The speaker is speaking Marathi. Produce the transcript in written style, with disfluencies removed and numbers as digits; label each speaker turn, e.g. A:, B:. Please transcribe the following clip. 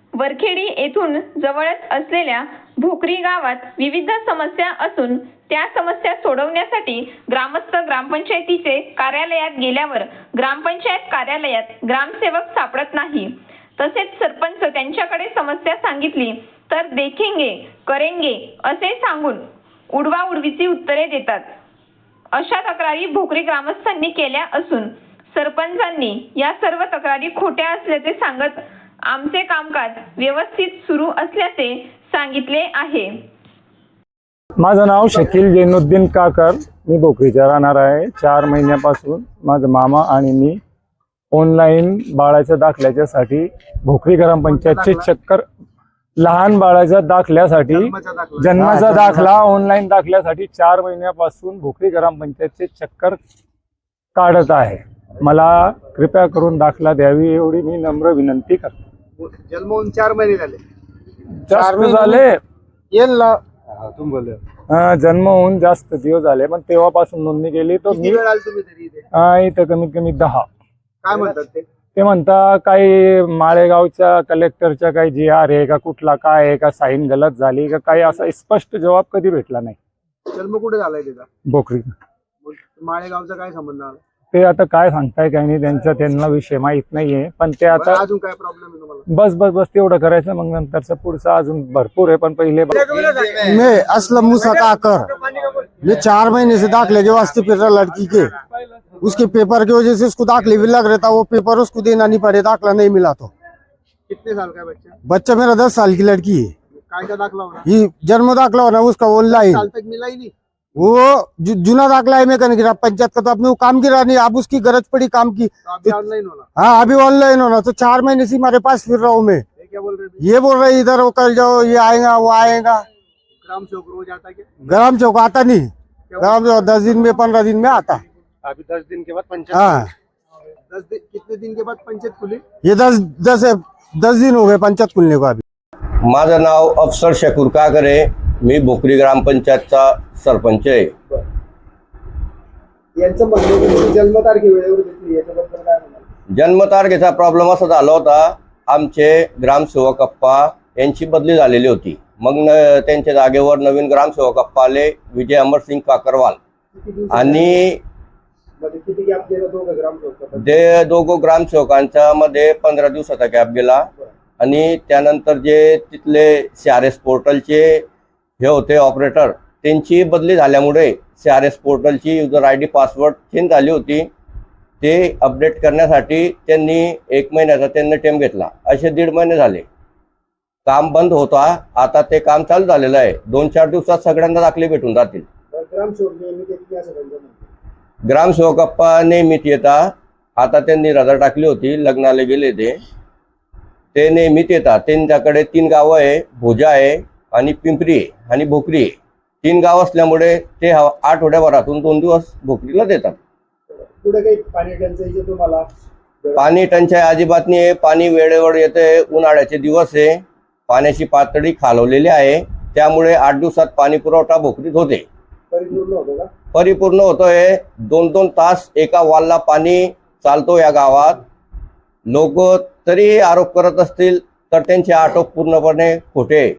A: वरखेडी येथून जवळच असलेल्या भोकरी गावात विविध समस्या असून त्या समस्या सोडवण्यासाठी ग्रामस्थ ग्रामपंचायतीचे कार्यालयात गेल्यावर ग्रामपंचायत कार्यालयात ग्रामसेवक सापडत नाही। तसेच सरपंच त्यांच्याकडे समस्या सांगितली तर देखेंगे करेंगे असे सांगून उडवाउडवीची उत्तरे देतात। अशा तक्रारी भोकरी ग्रामस्थांनी केल्या असून सरपंचांनी या सर्व तक्रारी खोट्या असल्याचे सांगत आमचे कामकाज व्यवस्थित सुरू असल्याचे सांगितले आहे।
B: माझं नाव शकील जैनुद्दीन काकर, मी भोकरीचा राहणार आहे। 4 महिन्यापासून माझा मामा आणि मी ऑनलाईन बाळाच्या दाखल्याच्यासाठी भोकरी ग्रामपंचायतचे चक्कर, लहान बाळाच्या दाखल्यासाठी जन्माचा दाखला ऑनलाईन दाखल्यासाठी 4 महिन्यापासून भोकरी ग्रामपंचायतचे चक्कर काढत आहे। मला कृपया करून दाखला द्यावी एवढी मी नम्र विनंती करतो।
C: जन्म होऊन 4 महिने झाले।
B: जास्त झाले
C: येईल ना तुम बोल।
B: जन्म होऊन जास्त दिवस झाले, पण तेव्हापासून नोंदणी केली तो मी
C: तुम्ही तरी
B: इथं कमीत कमी 10।
C: काय म्हणतात
B: ते म्हणता काही माळेगावच्या कलेक्टरच्या काही GR आहे का कुठला काय आहे का साईन गलत झाली का काही असा स्पष्ट जवाब कधी भेटला नाही।
C: जन्म कुठे झालाय त्याचा?
B: भोकरी।
C: माळेगावचा काय संबंध आला?
B: ते आता काय सांगताय काही नाही, त्यांना विषय माहित नाहीये, पण ते आता
C: अजून काय प्रॉब्लेम आहे तुम्हाला?
B: बस तेवढं करायचं, मग नंतरचं पुढचं अजून भरपूर है। पण पहले
D: मैं असलम मूसा काकर, ये 4 महीने से दाखले के वास्ते फिर रहा लड़की के, उसके पेपर की वजह से उसको दाखले भी लग रहा था, वो पेपर उसको देना नहीं पड़े, दाखला नहीं मिला तो।
C: कितने साल का बच्चा?
D: बच्चा मेरा 10 साल की लड़की है।
C: काय का दाखला होना?
D: ये जन्म दाखला होना उसका ऑनलाइन,
C: साल तक मिला ही नहीं।
D: वो जुना दाखला है मैकेनिक ग्राम पंचायत का, तो आपने वो काम गिरा नहीं, अब उसकी गरज पड़ी काम की
C: तो अभी ऑनलाइन होना।
D: हाँ अभी ऑनलाइन होना। तो 4 महीने से हमारे पास फिर रहा हूँ मैं।
C: ये क्या बोल रहे थे?
D: ये बोल रहे इधर वो कर जाओ, ये आएगा वो आएगा।
C: ग्राम सेवक रोज आता क्या?
D: ग्राम चौक आता नहीं, ग्राम चौक 10 दिन में 15 दिन में आता।
C: अभी 10 दिन के बाद पंचायत।
D: हाँ
C: 10 दिन कितने दिन के बाद पंचायत खुली?
D: ये 10 दिन हो गए पंचायत खुलने को। अभी
E: माझं नाव अफसर शकूर काकर आहे, मी भोकरी ग्रामपंचायतचा सरपंच आहे।
C: यांचं म्हणणं आहे की जन्मतारीख वेळेवर घेतली, याच्याबद्दल काय म्हणाल?
E: जन्मतारखेचा प्रॉब्लेम असा झाला होता, आमचे ग्रामसेवक अप्पा यांची बदली झालेली होती। मग त्यांच्या जागेवर नवीन ग्रामसेवक अप्पा आले, विजय अमरसिंग काकरवाल, आणि
C: किती गॅप गेला दोघं ग्रामसेवक?
E: ते दोघं ग्रामसेवकांच्या मध्ये 15 दिवसाचा गॅप गेला। आणि त्यानंतर जे तिथले CRS पोर्टलचे हे होते ऑपरेटर, त्यांची बदली झाल्यामुळे CRS पोर्टलची युजर ID पासवर्ड चेंज झाली होती। ते अपडेट करण्यासाठी त्यांनी 1 महिन्याचा त्यांनी टाइम घेतला। असे 1.5 महिने झाले, काम बंद होता। आता ते काम चालू झालेलं आहे, 2-4 दिवसात सगळ्यांना दाखले भेटून जातील।
C: ग्रामसेवक नियमित येत नाही असं त्यांचं म्हणणं.
E: ग्रामसेवक अप्पा नेहमीत येतात, आता त्यांनी रजा टाकली होती, लग्नाला गेले ते नेहमीत येतात। त्यांच्याकडे 3 गावं आहे, भोजा आहे आणि पिंपरी आहे आणि भोकरी आहे। 3 गाव असल्यामुळे ते आठवड्याभरातून 2 दिवस भोकरीला देतात।
C: पुढे काही पाणी टंचाईचे तुम्हाला?
E: पाणी टंचाई अजिबात नाही आहे, पाणी वेळेवर येते। उन्हाळ्याचे दिवस आहे, पाण्याची पातळी खालवलेली आहे, त्यामुळे 8 दिवसात पाणी पुरवठा भोकरीत होते।
C: परिपूर्ण होतो का?
E: परिपूर्ण होतोय। 2-2 तास एका वालला पाणी चालतो या गावात। लोक तरी आरोप करत असतील तर त्यांचे आरोप पूर्णपणे खोटे।